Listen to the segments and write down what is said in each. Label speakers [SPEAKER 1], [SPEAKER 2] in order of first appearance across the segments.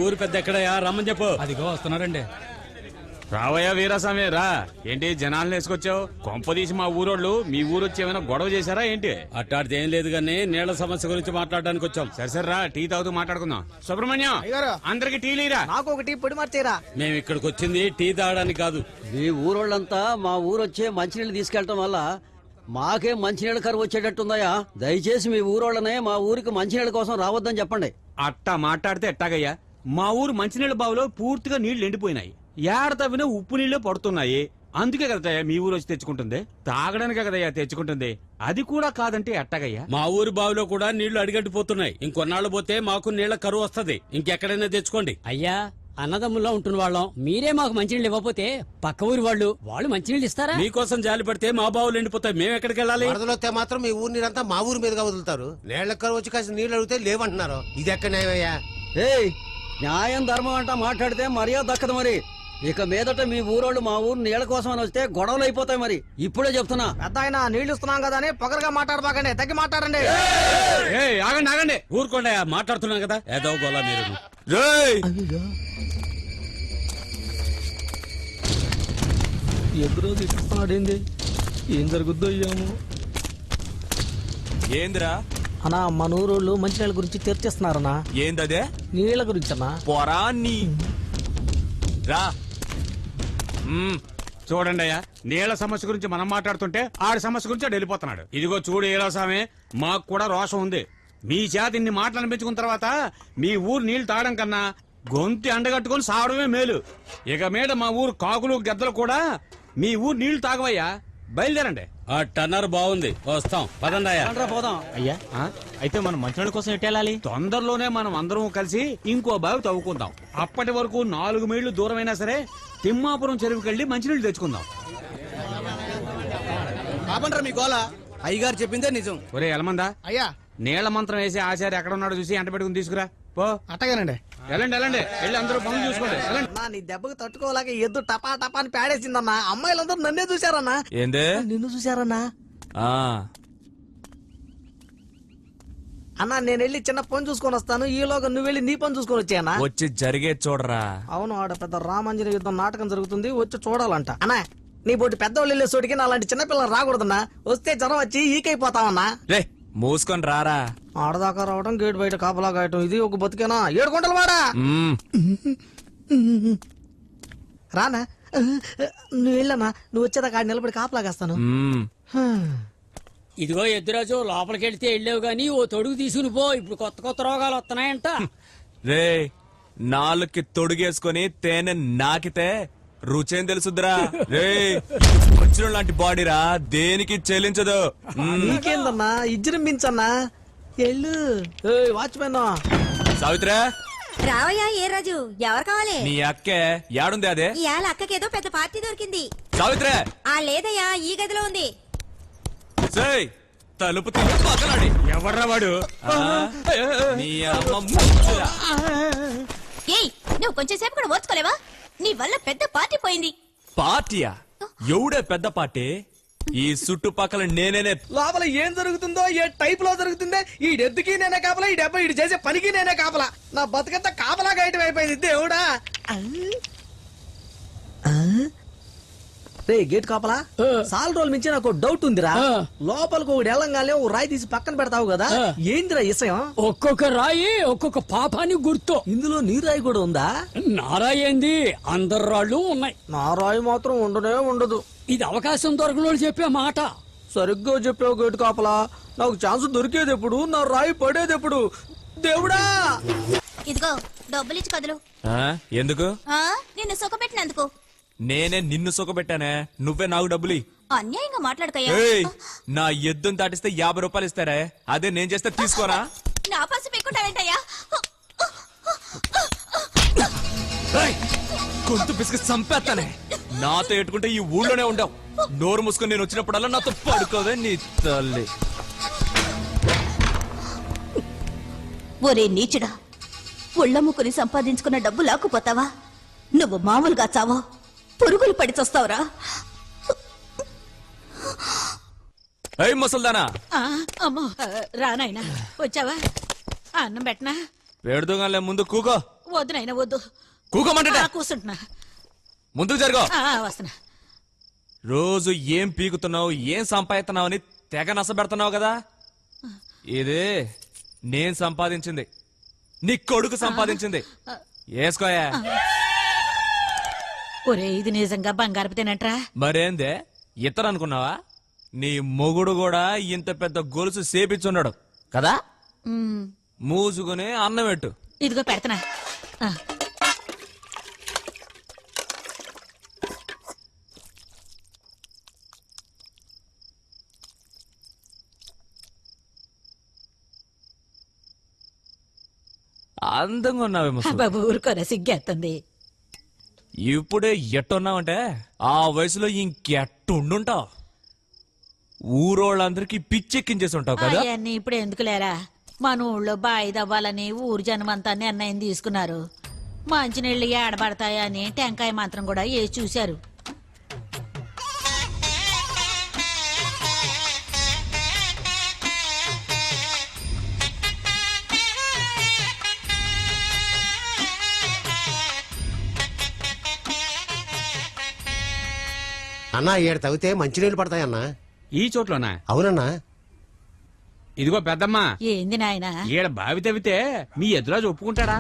[SPEAKER 1] ఊరు పెద్ద ఎక్కడయా రమ్మని చెప్పు.
[SPEAKER 2] అదిగో వస్తున్నారండి.
[SPEAKER 3] రావయ్యా వీరాస్వామి రా. ఏంటి జనాలను వేసుకొచ్చావు? కొంపదీసి మా ఊరోళ్ళు మీ ఊరు వచ్చి ఏమైనా గొడవ చేశారా ఏంటి?
[SPEAKER 1] అట్టాడితే ఏం లేదు గానీ నీళ్ల సమస్య గురించి మాట్లాడడానికి వచ్చాం.
[SPEAKER 3] సరే సరే రా, టీ తాగుతూ మాట్లాడుకుందాం. సుబ్రహ్మణ్యం అందరికి టీ లేరా?
[SPEAKER 4] నాకు ఒక టీ పొడి మార్చేరా.
[SPEAKER 1] మేము ఇక్కడికి వచ్చింది టీ తాగడానికి కాదు.
[SPEAKER 5] మీ ఊరోళ్ళంతా మా ఊరు వచ్చే మంచినీళ్ళు తీసుకెళ్లటం వల్ల మాకే మంచినీళ్ళ కరువు వచ్చేటట్టుందయ్యా. దయచేసి మీ ఊరోళ్ళనే మా ఊరికి మంచినీళ్ళ కోసం రావద్దని చెప్పండి.
[SPEAKER 3] అట్టా మాట్లాడితే ఎట్టాగయ్యా? మా ఊరు మంచినీళ్ళ బావిలో పూర్తిగా నీళ్లు ఎండిపోయినాయి. ఏడ తవ్వినా ఉప్పు నీళ్లు పడుతున్నాయి. అందుకే కదయ్యా మీ ఊరు వచ్చి తెచ్చుకుంటుంది. తాగడానికే కదయ్యా తెచ్చుకుంటుంది. అది కూడా కాదంటే ఎట్టాగయ్యా?
[SPEAKER 1] మా ఊరి బావిలో కూడా నీళ్లు అడిగట్టిపోతున్నాయి. ఇంకొన్నాళ్ళు పోతే మాకు నీళ్ల కరువు వస్తది. ఇంకెక్కడైనా తెచ్చుకోండి.
[SPEAKER 6] అయ్యా, అన్నదమ్ముల్లో ఉంటున్న వాళ్ళం మీరే మాకు మంచినీళ్ళు ఇవ్వకపోతే పక్క ఊరి వాళ్ళు మంచినీళ్ళు ఇస్తారా?
[SPEAKER 1] మీకోసం జాలి పడితే మా బావులు ఎండిపోతాయి. మేము ఎక్కడికి వెళ్ళాలి?
[SPEAKER 4] వరదలొస్తే మాత్రం మీ ఊరు నీరంతా మా ఊరి మీదుగా వదులుతారు. నీళ్ల కరువు వచ్చి కాసిన నీళ్లు అడిగితే లేవంటున్నారు. ఇది ఎక్కడ న్యాయమయ్యా?
[SPEAKER 5] ఏయ్, న్యాయం ధర్మం అంటా మాట్లాడితే మర్యాద దక్కదు. మరి ఇక మీదట మీ ఊరోళ్ళు మా ఊరు నీళ్ల కోసం అని వస్తే గొడవలు అయిపోతాయి. మరి ఇప్పుడే చెప్తున్నా.
[SPEAKER 4] పెద్ద ఆయన నీళ్లు ఇస్తున్నాం కదా అని పొగరగా మాట్లాడబాకండి. తగ్గి మాట్లాడండి.
[SPEAKER 3] ఆగండి ఆగండి,
[SPEAKER 1] ఊరుకోండి, మాట్లాడుతున్నాం కదా. ఏదో గోలా మీరు.
[SPEAKER 2] ఎదురు పాడింది ఏం జరుగుద్దో అయ్యాము.
[SPEAKER 7] ఏందిరా
[SPEAKER 4] అన్నా, మన ఊరోళ్ళు మంచినీళ్ళ గురించి చర్చిస్తున్నారన్నా.
[SPEAKER 7] ఏందదే?
[SPEAKER 4] నీళ్ల గురించి అన్నా.
[SPEAKER 7] పోరా నీ రా.
[SPEAKER 3] చూడండి అయ్యా, నీళ్ల సమస్య గురించి మనం మాట్లాడుతుంటే ఆడి సమస్య గురించి ఆడు వెళ్ళిపోతున్నాడు. ఇదిగో చూడు వీరాస్వామి, మాకు కూడా రోషం ఉంది. మీ చేత ఇన్ని మాటలు అనిపించుకున్న తర్వాత మీ ఊరు నీళ్లు తాగడం కన్నా గొంతి అండగట్టుకుని సావడమే మేలు. ఇక మీద మా ఊరు కాకులు గద్దలు కూడా మీ ఊరు నీళ్లు తాగవయ్యా. బయలుదేరండి.
[SPEAKER 1] ఆ టన్నర్ బాగుంది, వస్తాం. పదండి అయ్యా.
[SPEAKER 5] పోదాం.
[SPEAKER 7] అయ్యా, అయితే మనం మంచినీళ్ళ కోసం ఎట్టెళ్ళాలి?
[SPEAKER 3] తొందరలోనే మనం అందరం కలిసి ఇంకో బావి తవ్వుకుందాం. అప్పటి వరకు 4 మైళ్ళు దూరమైనా సరే తిమ్మాపురం చెరువుకెళ్లి మంచినీళ్లు తెచ్చుకుందాం.
[SPEAKER 4] కాబండ్రా మీ గోల. అయ్యగారు చెప్పిందే నిజం.
[SPEAKER 3] ఒరే ఎలమందా,
[SPEAKER 4] అయ్యా
[SPEAKER 3] నీళ్ల మంత్రం వేసి ఆచార్య ఎక్కడ ఉన్నాడో చూసి ఎంట పెట్టుకుని తీసుకురా పో.
[SPEAKER 4] అట్టగానండి.
[SPEAKER 3] వెళ్ళండి వెళ్ళండి, వెళ్ళి అందరూ పనులు చూసుకోండి.
[SPEAKER 4] నీ దెబ్బకు తట్టుకోలేక ఎద్దు టపా టపా అని పేడేసిందన్నా. అమ్మాయిలందరూ నన్నే చూశారన్నా.
[SPEAKER 7] ఏందే?
[SPEAKER 4] నిన్ను చూశారన్నా.
[SPEAKER 7] ఆ
[SPEAKER 4] అన్నా, నేను వెళ్ళి చిన్న పని చూసుకొని వస్తాను. ఈలోగా నువ్వు వెళ్ళి నీ పని చూసుకొని వచ్చానా?
[SPEAKER 7] వచ్చి జరిగే చూడరా.
[SPEAKER 4] అవును, ఆడ పెద్ద రామాంజన యుద్ధం నాటకం జరుగుతుంది, వచ్చి చూడాలంట. అన్నా, నీ పోటీ పెద్దవాళ్ళు వెళ్ళే చోటికి నా అలాంటి చిన్నపిల్లలు రాకూడదన్నా. వస్తే జ్వరం వచ్చి ఈకైపోతావన్నా.
[SPEAKER 7] రే మూసుకొని రారా.
[SPEAKER 4] ఆడదాకా రావడం, గేట్ బయట కాపలా కాయటం, ఇది ఒక బతికేనా? 7 గుంటలు వాడా. రానా, నువ్వు వెళ్ళనా? నువ్వు వచ్చేదాకా ఆడ నిలబడి కాపలా కాస్తాను.
[SPEAKER 6] ఇదిగో ఎద్దురాజు, లోపలికి వెళ్తే వెళ్ళావు గానీ ఓ తొడుగు తీసుకుని పో. ఇప్పుడు కొత్త కొత్త రోగాలు వస్తున్నాయంట.
[SPEAKER 7] రే, నాలుగుకి తొడుగేసుకొని తేనె నాకితే రుచేం తెలుసుద్రా. రే, వచ్చిన లాంటి బాడీరా, దేనికి చెల్లించదు.
[SPEAKER 4] నీకేందన్నా, ఇజ్జరించన్నా. ఎల్లు వాచ్మెన్.
[SPEAKER 7] సావిత్రా,
[SPEAKER 8] రావయ్యా. ఏ రాజు, ఎవరు కావాలి?
[SPEAKER 7] నీ అక్కే యాడుంది? అదే
[SPEAKER 8] ఇవాళ అక్కకేదో పెద్ద పార్టీ దొరికింది.
[SPEAKER 7] సావిత్రా.
[SPEAKER 8] లేదయ్యా, ఈ గదిలో ఉంది.
[SPEAKER 7] తలుపు తీసి పక్కనాడి.
[SPEAKER 3] ఎవర్రా వాడు?
[SPEAKER 7] నీ అమ్మ ముచ్చురా.
[SPEAKER 8] ఏయ్, నువ్వు కొంచెం సేపు కూడా ఓర్చుకోలేవా? నీ వల్ల పెద్ద పార్టీ పోయింది.
[SPEAKER 7] పార్టీయా? ఎవడే పెద్ద పార్టీ? ఈ చుట్టుపక్కల నేనే.
[SPEAKER 4] లోపల ఏం జరుగుతుందో, ఏ టైప్ లో జరుగుతుందో, ఈ డెత్తుకి నేనే కాపలా, ఈ డెబ్బ ఇటు చేసే పనికి నేనే కాపలా. నా బతుకంతా కాపలా గాయటం అయిపోయింది. దేవుడా. రే గేట్ కాపలా, సాల్ రోజుల మించి నాకు డౌట్ ఉందిరా. లోపలికి ఒకటి వెళ్ళంగానే ఓ రాయి తీసి పక్కన పెడతావు కదా, ఏందిరా విషయం?
[SPEAKER 6] ఒక్కొక్క రాయి ఒక్కొక్క పాపానికి గుర్తు.
[SPEAKER 4] ఇందులో నీ రాయి కూడా ఉందా?
[SPEAKER 6] నారాయి ఏంది, అందరు రాళ్ళు ఉన్నాయి.
[SPEAKER 4] నా రాయి మాత్రం ఉండనే ఉండదు.
[SPEAKER 6] ఇది అవకాశం దొరకనోళ్ళు చెప్పే మాట.
[SPEAKER 4] సరిగ్గా చెప్పావు గేట్ కాపలా. నాకు ఛాన్స్ దొరికేది ఎప్పుడు, నా రాయి పడేది ఎప్పుడు? దేవుడా.
[SPEAKER 8] ఇదిగో డబ్బులు ఇచ్చి కదులు.
[SPEAKER 7] ఎందుకు?
[SPEAKER 8] నిన్ను సుఖపెట్టినందుకు.
[SPEAKER 7] నేనే నిన్ను సుఖపెట్టానే, నువ్వే నాకు డబ్బులి.
[SPEAKER 8] అన్యాయంగా మాట్లాడకయ్యా.
[SPEAKER 7] నా ఎద్దును దాటిస్తే 50 రూపాయలు ఇస్తారే, అదే నేను చేస్తే తీసుకోరా.
[SPEAKER 8] నా పసి పెట్టుకుంటావేంటయ్యా?
[SPEAKER 7] గొంతు పిసికి చంపేస్తానే. నాతో ఎట్టుకుంటే ఈ ఊళ్ళోనే ఉండవు. నోరు మూసుకొని నేను వచ్చినప్పుడల్లా నాతో పడుకోవే నీ తల్లి.
[SPEAKER 8] ఒరే నీచుడా, ఒళ్ళమ్ముకుని సంపాదించుకున్న డబ్బు లాక్కుపోతావా? నువ్వు మామూలుగా చావో, పురుగులు పడి చస్తావురా.
[SPEAKER 7] ఏయ్ ముసల్దానా.
[SPEAKER 9] అమ్మో, రానాయనా వచ్చావా? అన్నం పెట్టనా?
[SPEAKER 7] పెడుదోగానే ముందు కూకో.
[SPEAKER 9] వద్దు నాయన వద్దు.
[SPEAKER 7] కూకోమంటే
[SPEAKER 9] కూర్చుంటున్నా.
[SPEAKER 7] ముందుకు జరుగు.
[SPEAKER 9] వస్తున్నా.
[SPEAKER 7] రోజు ఏం పీకుతున్నావు ఏం సంపాదిస్తున్నావు అని తెగ నసబెడుతున్నావు కదా. ఇదే నేను సంపాదించింది, నీ కొడుకు సంపాదించింది. వేసుకోయా.
[SPEAKER 9] ఒరే ఇది నిజంగా బంగారపు తినట్రా.
[SPEAKER 7] మరేందే ఇతరు అనుకున్నావా? నీ మొగుడు కూడా ఇంత పెద్ద గొలుసు సేపిచ్చున్నాడు కదా. మూసుకుని అన్నం పెట్టు.
[SPEAKER 9] ఇదిగో పెడతనా.
[SPEAKER 7] అందంగా ఉన్నావే ముసలి.
[SPEAKER 9] బాబు ఊరుకోరా సిగ్గేస్తుంది.
[SPEAKER 7] ఇప్పుడే ఎట్టున్నావంటే ఆ వయసులో ఇంకెట్టుండుంటావు. ఊరోళ్ళందరికీ పిచ్చెక్కించేసి ఉంటావు కదా.
[SPEAKER 9] అవన్నీ ఇప్పుడు ఎందుకు లేరా. మన ఊళ్ళో బాయి దవ్వాలని ఊరు జనమంతా నిర్ణయం తీసుకున్నారు. మంచినీళ్ళు ఏడబడతాయని టెంకాయ మాత్రం కూడా వేసి చూశారు.
[SPEAKER 10] అన్నా ఏడు తవ్వితే మంచినీళ్ళు పడతాయన్నా.
[SPEAKER 3] ఈ చోట్లోనా?
[SPEAKER 10] అవునన్నా.
[SPEAKER 3] ఇదిగో పెద్దమ్మా,
[SPEAKER 9] ఏంది నాయనా?
[SPEAKER 3] ఈడ బావి తవ్వితే మీ ఎదురాజు ఒప్పుకుంటాడా?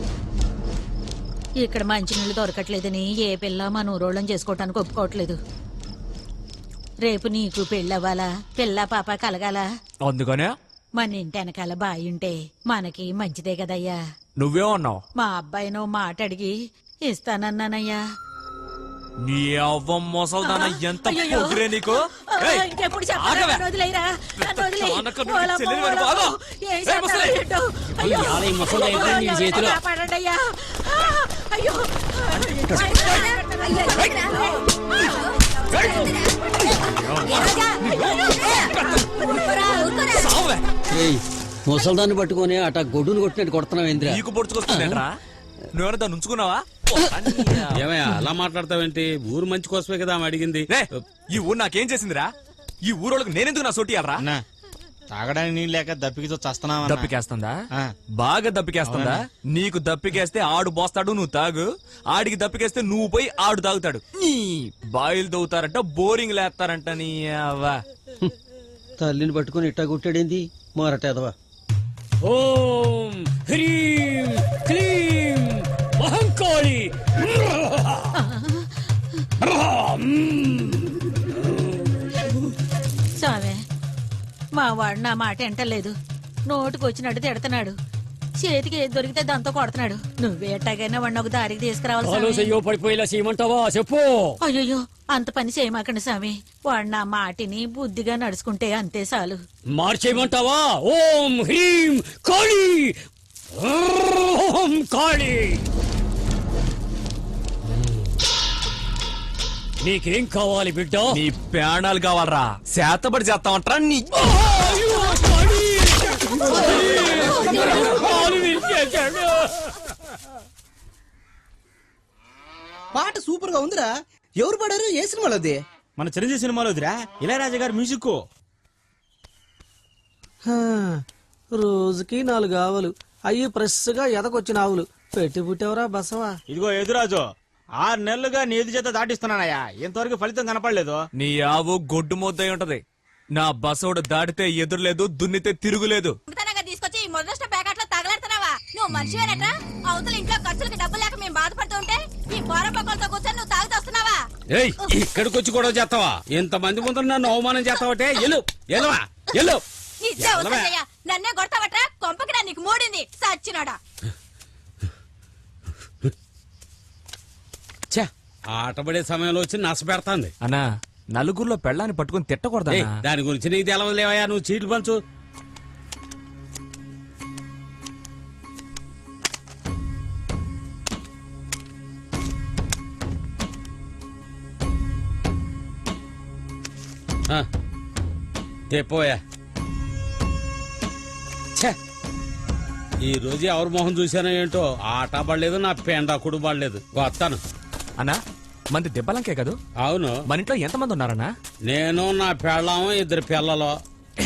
[SPEAKER 9] ఇక్కడ మంచినీళ్ళు దొరకట్లేదని ఏ పిల్ల మన ఊరోళ్ళం చేసుకోవటానికి ఒప్పుకోవట్లేదు. రేపు నీకు పెళ్ళవ్వాలా, పిల్ల పాప కలగాల.
[SPEAKER 7] అందుకనే
[SPEAKER 9] మన ఇంటి వెనకాల బాయి ఉంటే మనకి మంచిదే కదయ్యా.
[SPEAKER 7] నువ్వేమన్నావు?
[SPEAKER 9] మా అబ్బాయినో మాట అడిగి ఇస్తానన్నానయ్యా.
[SPEAKER 7] నీ అవ్వ మొసల్దాన ఎంత పొగిరే నీకు. ఏయ్,
[SPEAKER 9] ఇంకెప్పుడు
[SPEAKER 7] ఆగవే.
[SPEAKER 9] చెప్పరా? వదిలేయరా, నన్ను వదిలేయ్.
[SPEAKER 7] చానక నువ్వు
[SPEAKER 9] ఓలమ్మ,
[SPEAKER 7] చెల్లెలు వాడు బాగా.
[SPEAKER 9] ఓలమ్మ. ఏం
[SPEAKER 7] ఏయ్,
[SPEAKER 9] చేస్తారో
[SPEAKER 7] ముసలి.
[SPEAKER 9] ఏంటో. అయ్యో.
[SPEAKER 6] ఈ ముసలి అయిపోయింది నీ చేతిలో.
[SPEAKER 9] కాపాడండయ్యా. అయ్యో.
[SPEAKER 7] సావే.
[SPEAKER 5] ముసల్దాన్ని పట్టుకొని అట గొడ్డును కొట్టినట్టు కొడుతున్నావు ఏంద్రా?
[SPEAKER 7] నీకు పొడుచుకొస్తుందేంట్రా? నువ్వేమైనా దాన్ని ఉంచుకున్నావా?
[SPEAKER 1] ఏమయ్యా అలా మాట్లాడతావేంటి? ఊరు మంచి కోసమే కదా ఆమె అడిగింది.
[SPEAKER 7] రే, ఈ ఊరు నాకేం చేసిందిరా? ఈ ఊరోళ్ళకి నేనెందుకు నా సోటియాలరా?
[SPEAKER 2] తాగడానికి నీళ్ళు లేక దప్పికితో చస్తున్నావా?
[SPEAKER 7] దప్పికేస్తుందా? బాగా దప్పికేస్తుందా? నీకు దప్పికేస్తే ఆడు పోస్తాడు, నువ్వు తాగు. ఆడికి దప్పికేస్తే నువ్వు పోయి ఆడు తాగుతాడు. నీ బాయిలు తవ్వుతారంట, బోరింగ్ లేస్తారంట. నీ అవ్వ.
[SPEAKER 5] తల్లిని పట్టుకొని ఇట్టా కొట్టాడేంది మారటేదవా.
[SPEAKER 6] ఓం హ్రీం క్లీం మహంకాళి.
[SPEAKER 9] స్వామి, మా వాడు నా మాట ఎంటలేదు. నోటుకు వచ్చినట్టు తిడుతున్నాడు. చేతికి ఏది దొరికితే దాంతో కొడుతున్నాడు. నువ్వే ఎట్టాగైనా వాడిని ఒక దారికి తీసుకురావాలి స్వామి.
[SPEAKER 6] చెయ్యో పడిపోయేలా చేయమంటావా చెప్పు.
[SPEAKER 9] అయ్యో అంత పని చేయమాకండి స్వామి. వాడు నా మాటిని బుద్ధిగా నడుచుకుంటే అంతే చాలు.
[SPEAKER 6] మార్చేయమంటావా? ఓం హ్రీం కాళీ. ఓం కాళీ. నీకేం కావాలి బిడ్డ?
[SPEAKER 7] నీ ప్రాణాలు కావాలరా? శాతపడి చేస్తామంటారా? నీ
[SPEAKER 4] పాట సూపర్ గా ఉందిరా. ఎవరు పాడారు? ఏ సినిమాలోది?
[SPEAKER 2] మన చిరంజీవి సినిమాలోదిరా. ఇళయరాజా గారి మ్యూజిక్.
[SPEAKER 4] రోజుకి 4 ఆవులు అయ్యి ఫ్రెష్ గా ఎదకొచ్చిన ఆవులు పెట్టి పుట్టేవరా బసవా.
[SPEAKER 2] ఇదిగో ఎదురాజు, 6 నెలలుగా నీ ఎదు చేత దాటిస్తున్నానయ్యా. ఇంతవరకు ఫలితం కనపడలేదు.
[SPEAKER 7] నీ ఆవు గొడ్డు ముద్దై ఉంటది. నా బసోడు దాటితే ఎదురులేదు, దున్నితే తిరుగులేదు.
[SPEAKER 8] తీసుకొచ్చి ఈ మొదట ప్యాకెట్ లో తగలెడుతున్నావా? నువ్వు మనిషివేనట్రా? అవతల ఇంట్లో ఖర్చులకి డబ్బులు లేక మేము బాధపడుతుంటే ఈ పోర పక్కలతో కూర్చొని నువ్వు తాగుతూ వస్తున్నావా?
[SPEAKER 1] ఏయ్, ఇక్కడికి వచ్చి గొడవ చేస్తావా? ఇంతమంది ముందు నన్ను అవమానం చేస్తావటే? ఎల్లు ఎల్లువా ఎల్లు.
[SPEAKER 8] ఇచ్చే వద్దయ్యా, నన్నే కొడతావట్రా? కొంపకి నా నీకు మూడింది సచ్చినాడా.
[SPEAKER 1] ఛే, ఆటపడే సమయంలో వచ్చి నస పెడతాంది.
[SPEAKER 7] అన్నా, నలుగురిలో పెళ్ళాన్ని పట్టుకుని తిట్టకూడదా?
[SPEAKER 1] ఏయ్, దాని గురించి నీకు తెలవలేవయ్యా. నువ్వు చీట్లు పంచు. పోయా. ఛే, ఈ రోజు ఎవరి మొహం చూసానో ఏంటో. ఆట పడలేదు, నా పెండాకుడు పడలేదు. వస్తాను.
[SPEAKER 7] అన్నా, మంది దెబ్బలంకే కదా?
[SPEAKER 1] అవును.
[SPEAKER 7] మన ఇంట్లో ఎంతమంది ఉన్నారన్నా?
[SPEAKER 1] నేను, నా పెళ్ళాము, 2 పిల్లలు.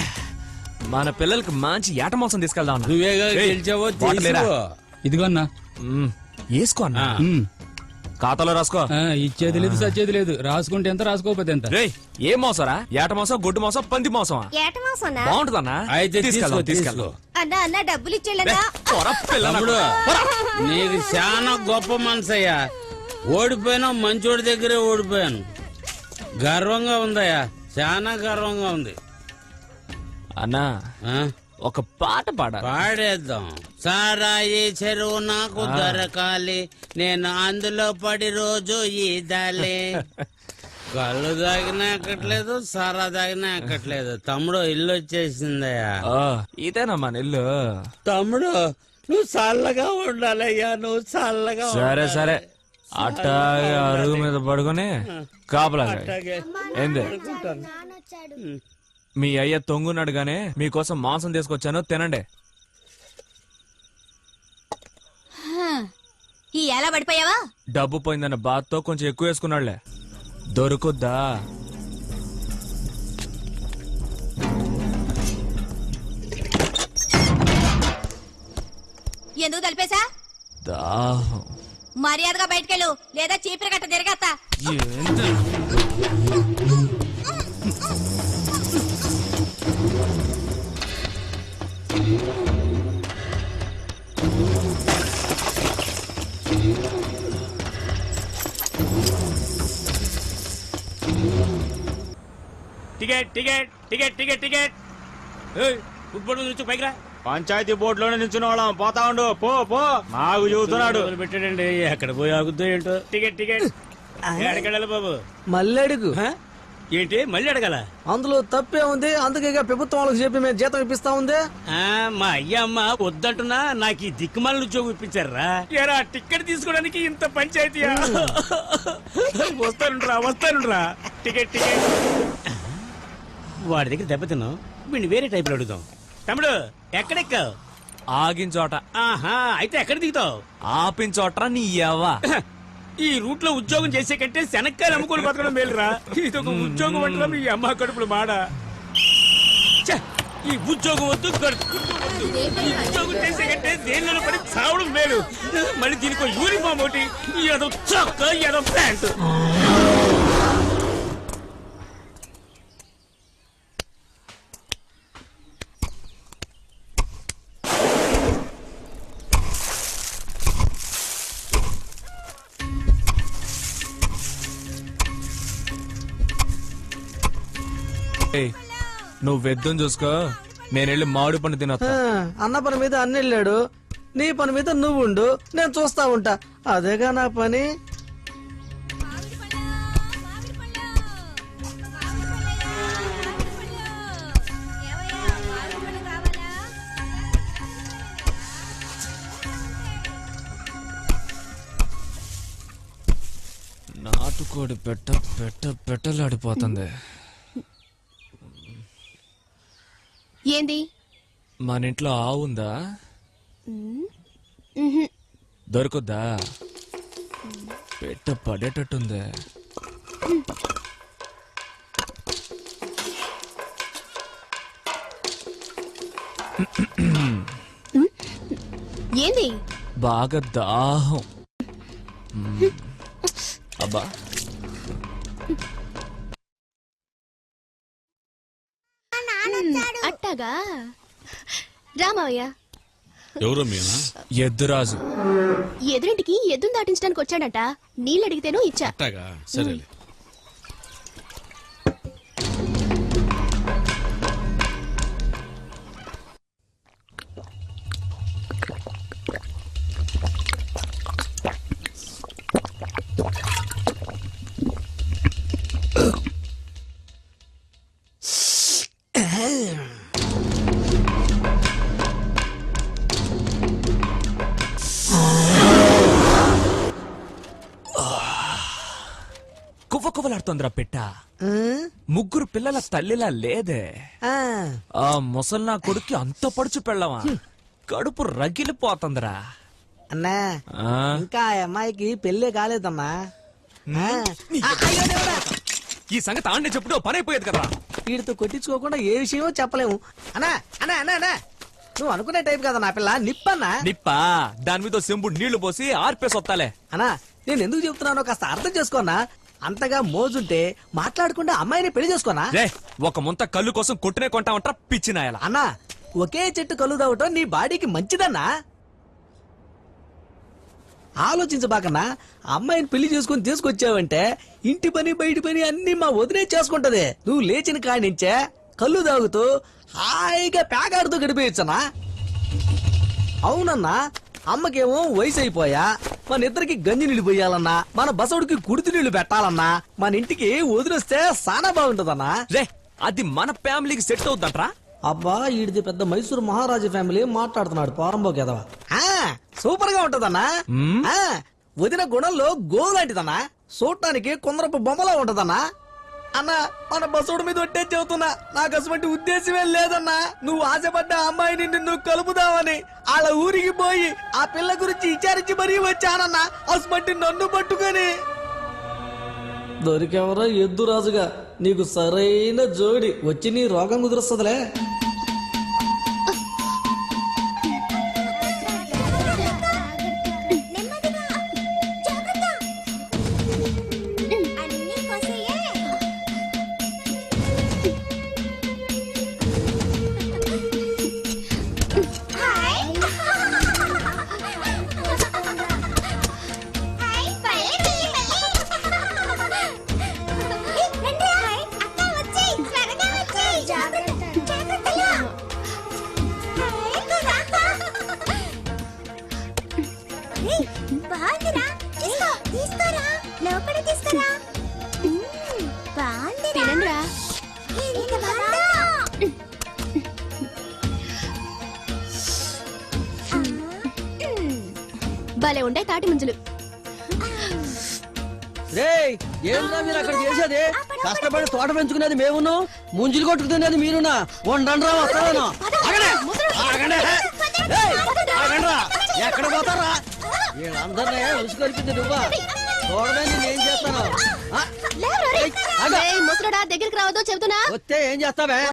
[SPEAKER 7] మన పిల్లలకి మంచి ఏట మాంసం తీసుకెళ్దాం.
[SPEAKER 1] నువ్వేగా గెలిచావో తెలుసు.
[SPEAKER 2] ఇదిగో అన్నా
[SPEAKER 7] వేసుకో అన్న
[SPEAKER 1] ఆ.
[SPEAKER 7] ఖాతాలో రాసుకో
[SPEAKER 6] ఇచ్చేది లేదు సచ్చేది లేదు రాసుకుంటే ఎంత రాసుకోకపోతే ఎంత
[SPEAKER 7] రేయ్ ఏం మోసరా ఏట మోసం గొడ్డు మోసం పంది మోసమా
[SPEAKER 8] ఏట మాసన్నా
[SPEAKER 7] బాగుంటుందన్నా
[SPEAKER 1] అయితే తీసుకో
[SPEAKER 7] తీసుకెళ్దాం
[SPEAKER 8] అన్నా అన్న డబ్బులు ఇచ్చేళ్ళన్నా
[SPEAKER 7] పోరా, పిల్ల నాకు.
[SPEAKER 1] తమ్ముడు
[SPEAKER 7] పోరా.
[SPEAKER 1] నీకు చాలా గొప్ప మనసయ్యా. ఓడిపోయినా మంచోడి దగ్గరే ఓడిపోయాను. గర్వంగా ఉందయ్యా, చాలా గర్వంగా ఉంది.
[SPEAKER 7] అన్నా
[SPEAKER 1] ఆ?
[SPEAKER 7] ఒక పాట పాడ
[SPEAKER 1] పాడేద్దాం. సారాయి చెరువు నాకు దొరకాలి, నేను అందులో పడి రోజు ఈదాలి. కళ్ళు తాగినా ఎక్కట్లేదు, సారా తాగినా ఎక్కట్లేదు. తమ్ముడు ఇల్లు వచ్చేసిందయ్యా.
[SPEAKER 7] ఇదేనమ్మా నిల్లు
[SPEAKER 1] తమ్ముడు నువ్వు చల్లగా ఉండాలయ్యా, నువ్వు చల్లగా
[SPEAKER 7] సరే
[SPEAKER 1] ఉండాలి.
[SPEAKER 7] సరే అట్టాగే అరుగు మీద పడుకొని కాపలా కాయ్.
[SPEAKER 1] అట్టాగే
[SPEAKER 7] ఏంది
[SPEAKER 1] పడుకుంటాను.
[SPEAKER 7] మీ అయ్య తొంగున్నాడు గానే మీకోసం మాంసం తీసుకొచ్చాను తినండి.
[SPEAKER 8] ఈ ఎలా పడిపోయావా?
[SPEAKER 7] డబ్బు పోయిందన్న బాధతో కొంచెం ఎక్కువ వేసుకున్నాడులే. దొరుకుద్దా?
[SPEAKER 8] ఎందుకు తలిపేశా?
[SPEAKER 7] దాహం.
[SPEAKER 8] మర్యాదగా బయటకెళ్ళు, లేదా చీపిరి గట్ట తిరగత్తా.
[SPEAKER 7] ఏంటి?
[SPEAKER 3] Ticket ticket ticket ticket ticket football నుంచి పైకి రా.
[SPEAKER 2] పంచాయతీ బోర్డులోనే నిల్చున్న వాళ్ళం. పోతా ఉండు, పో పో. నాకు చూస్తున్నాడు.
[SPEAKER 1] పెట్టాడండి, ఎక్కడ పోయి ఆగుద్దో ఏంటో.
[SPEAKER 3] టికెట్ టికెట్ ఎక్కడికెళ్ళాలి బాబు?
[SPEAKER 4] మళ్ళీ అడుగు.
[SPEAKER 1] హ? ఏంటి మళ్ళీ అడగాల?
[SPEAKER 4] అందులో తప్పే ఉంది, అందుకే ఇక ప్రభుత్వం వాళ్ళకి చెప్పి మేము జీతం ఇప్పిస్తా ఉంది.
[SPEAKER 1] మా అయ్యమ్మ వద్దంటున్నా నాకు ఈ దిక్కుమాల ఉద్యోగం ఇప్పించారా?
[SPEAKER 3] ఎరా టికెట్ తీసుకోవడానికి ఇంత పంచాయతీయా? వస్తానురా టికెట్ టికెట్.
[SPEAKER 1] వాడి దగ్గర దెబ్బతిన్నావు, వీడిని వేరే టైప్ లో అడుగుదాం. తమ్ముడు ఎక్కడెక్కావు?
[SPEAKER 7] ఆగిన చోట
[SPEAKER 1] ఆహా, అయితే ఎక్కడ దిగుతావు?
[SPEAKER 7] ఆపిన చోట నీ ఎవ్వ.
[SPEAKER 3] ఈ రూట్ లో ఉద్యోగం చేసే కంటే శనక్కాయలు అమ్ముకొని బతకడం మేలురా. ఇది ఒక ఉద్యోగం అంటారా మీ అమ్మ కడుపులు మాడ. ఛ! ఈ ఉద్యోగం వద్దు, వద్దు. ఈ ఉద్యోగం చేసే కంటే దేనిలో పడి చావడం మేలు. మళ్ళీ దీనికి యూనిఫామ్ ఒకటి, ఏదో చొక్క ఏదో ప్యాంట్.
[SPEAKER 7] ఏయ్, నువ్వు వెద్దం చూసుకో, నేను వెళ్ళి మామిడి పండు తినొస్తా.
[SPEAKER 4] అన్న పని మీద అన్న వెళ్ళాడు, నీ పని మీద నువ్వు ఉండు, నేను చూస్తా ఉంటా. అదేగా నా పని.
[SPEAKER 7] నాటుకోడి పెట్టలాడిపోతుంది.
[SPEAKER 8] ఏంది?
[SPEAKER 7] మన ఇంట్లో ఆవు ఉందా? దొరుకుద్దా? పెట్ట పడేటట్టుంది.
[SPEAKER 8] ఏంది?
[SPEAKER 7] బాగా దాహం. అబ్బా
[SPEAKER 8] అట్టాగా రామయ్య
[SPEAKER 1] ఎవరు మీనా?
[SPEAKER 7] ఎద్దురాజు.
[SPEAKER 8] ఎదురింటికి ఎద్దును దాటించడానికి వచ్చాడట. నీళ్ళు అడిగితేనో ఇచ్చా.
[SPEAKER 1] అట్టాగా, సరేలే.
[SPEAKER 7] కువ్వకువ్వలాడుతోందిరా పెట్ట. ముగ్గురు పిల్లల తల్లిలా లేదే. ఆ ముసల్నా కొడుక్కి అంత పడుచు పెళ్ళవా, కడుపు రగిలిపోతుందిరా.
[SPEAKER 4] అన్నా ఇంకా ఆ అమ్మాయికి పెళ్ళే కాలేదన్నా.
[SPEAKER 7] ఈ సంగతి ఆండే చెప్పుడు పని అయిపోయేది కదా.
[SPEAKER 4] వీడితో కొట్టించుకోకుండా ఏ విషయమో చెప్పలేము. అన్నా అన్నా అన్నా అన్నా నువ్వు అనుకునే టైప్ కదా నా పిల్ల నిప్పన్నా.
[SPEAKER 7] నిప్పా దాని మీద చెంబు నీళ్లు పోసి ఆర్పేసి వస్తాలే.
[SPEAKER 4] అన్నా నేను ఎందుకు చెప్తున్నానో కాస్త అర్థం చేసుకోనా. అంతగా మోజుంటే మాట్లాడకుండా అమ్మాయిని పెళ్లి చేసుకోనా.
[SPEAKER 7] రే ఒక ముంత కళ్ళు కోసం కొట్టునే కొంటామంటా పిచ్చినాయలా.
[SPEAKER 4] అన్నా ఒకే చెట్టు కళ్ళు తాగటం నీ బాడీకి మంచిదన్నా. ఆలోచించబాకన్నా, అమ్మాయిని పెళ్లి చేసుకుని తీసుకొచ్చావంటే ఇంటి పని బయటి పని అన్ని మా వదిలే చేసుకుంటది. నువ్వు లేచిన కాడి నుంచే కళ్ళు తాగుతూ హాయిగా పేకాడుతూ గడిపేయచ్చనా. అవునన్నా, అమ్మకేమో వయసు అయిపోయా, మన ఇద్దరికి గంజి నీళ్లు పోయాలన్నా, మన బసవుడికి కుడితి నీళ్లు పెట్టాలన్నా, మన ఇంటికి వదిలేస్తే సానా బాగుంటదన్నా.
[SPEAKER 7] రే అది మన ఫ్యామిలీకి సెట్ అవుతుందంట్రా.
[SPEAKER 4] అబ్బా ఈడిది పెద్ద మైసూరు మహారాజు ఫ్యామిలీ మాట్లాడుతున్నాడు పోరంబోకి ఎదవా. సూపర్ గా ఉంటదన్నా. ఆ, వదిన గుణంలో గో లాంటిదన్నా. చూడటానికి కొందరపు బొమ్మలా ఉంటదన్నా. అన్నా మన బసోడు మీద ఒట్టే చెబుతున్నా, నాకు అటువంటి ఉద్దేశమే లేదన్నా. నువ్వు ఆశపడ్డ అమ్మాయిని నిన్ను కలుపుదామని వాళ్ళ ఊరికి పోయి ఆ పిల్ల గురించి విచారించి మరీ వచ్చానన్నా. అసమంటి నన్ను పట్టుకొని దొరికెవరో ఎద్దు రాజుగా, నీకు సరైన జోడి వచ్చి నీ రోగం కుదురుస్తుందిలే.
[SPEAKER 8] భలే ఉండే తాటి ముంజలు.
[SPEAKER 5] రేయ్ ఏంట్రా మీరు అక్కడ చేసేది? కష్టపడి తోట పెంచుకునేది మేమును, ముంజులు కొట్టుకుతున్నది మీరునా. వండండ్రా వస్తాను. ఎక్కడ పోతారా? వీళ్ళందరినీ ఉసుకొలిపింది నువ్వా? చూడమే నేనేం చేస్తాను.
[SPEAKER 8] ముసరుడా దగ్గరికి రావద్దు చెబుతున్నా.
[SPEAKER 5] వస్తే ఏం చేస్తావే?